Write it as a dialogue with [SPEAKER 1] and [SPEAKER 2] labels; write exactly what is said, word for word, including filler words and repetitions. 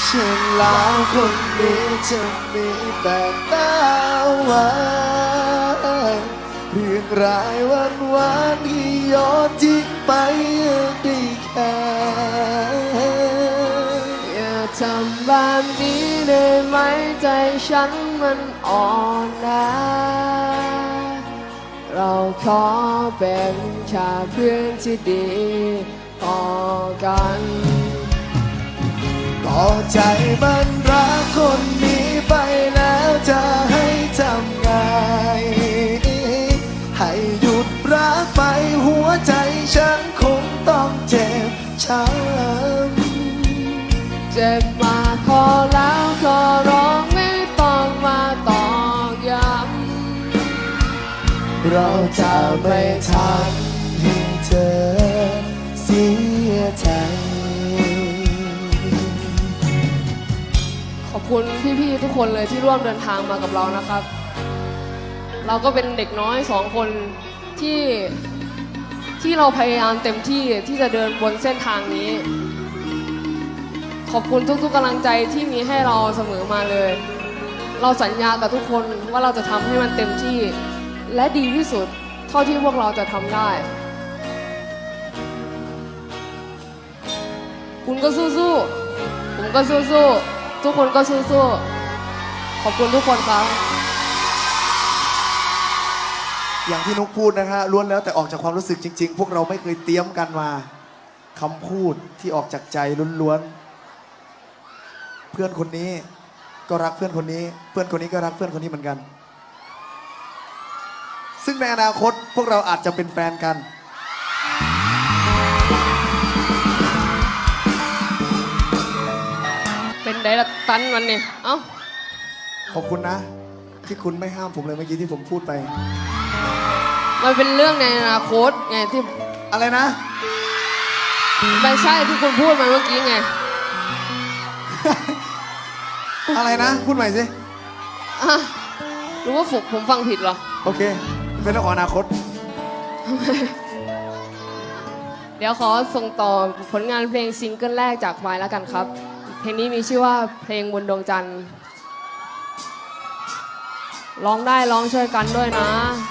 [SPEAKER 1] ฉันแล้วคนนี้จะมีแต่ตาหวานเรียงรายวันวานที่ย้อนทิ้งไปได้แค่
[SPEAKER 2] อย่าทำแบบนี้ได้ไหมใจฉันมันอ่อนแอเราขอเป็นแค่เพื่อนที่ดีต่อกัน
[SPEAKER 1] ก็ใจมันรักคนนี้ไปแล้วจะให้ทำไงให้หยุดรักไปหัวใจฉันคงต้องเจ็บช้ำ
[SPEAKER 2] เจ็บมาขอแล้วขอร้องไม่ต้องมาตอกย้ำ
[SPEAKER 1] เราจะไม่ทำให้เธอเสียใจ
[SPEAKER 2] ขอบคุณพี่ๆทุกคนเลยที่ร่วมเดินทางมากับเรานะครับเราก็เป็นเด็กน้อยสองคนที่ที่เราพยายามเต็มที่ที่จะเดินบนเส้นทางนี้ขอบคุณทุกๆกำลังใจที่มีให้เราเสมอมาเลยเราสัญญากับทุกคนว่าเราจะทำให้มันเต็มที่และดีที่สุดเท่าที่พวกเราจะทำได้คุณก็สู้ๆผมก็สู้ๆทุกคนก็สู้ๆขอบคุณทุกคนครับ
[SPEAKER 1] อย่างที่นุกพูดนะฮะล้วนแล้วแต่ออกจากความรู้สึกจริงๆพวกเราไม่เคยเตรียมกันมาคำพูดที่ออกจากใจล้วนๆเพื่อนคนนี้ก็รักเพื่อนคนนี้เพื่อนคนนี้ก็รักเพื่อนคนนี้เหมือนกันซึ่งในอนาคตพวกเราอาจจะเป็นแฟนกัน
[SPEAKER 2] เป็นไดละตันวันนี้เอ้า
[SPEAKER 1] ขอบคุณนะที่คุณไม่ห้ามผมเลยเมื่อกี้ที่ผมพูดไป
[SPEAKER 2] มันเป็นเรื่องในอนาคตไงที่
[SPEAKER 1] อะไรนะ
[SPEAKER 2] ไม่ใช่ที่คุณพูดมาเมื่อกี้ไง
[SPEAKER 1] อะไรนะพูดใหม่สิ
[SPEAKER 2] รู้ว่าผมผมฟังผิดเหรอ
[SPEAKER 1] โอเคเป็นเรื่องของอนาคต
[SPEAKER 2] เดี๋ยวขอส่งต่อผลงานเพลงซิงเกิลแรกจากไวแล้วกันครับเพลงนี้มีชื่อว่าเพลงบนดวงจันทร์ร้องได้ร้องช่วยกันด้วยนะ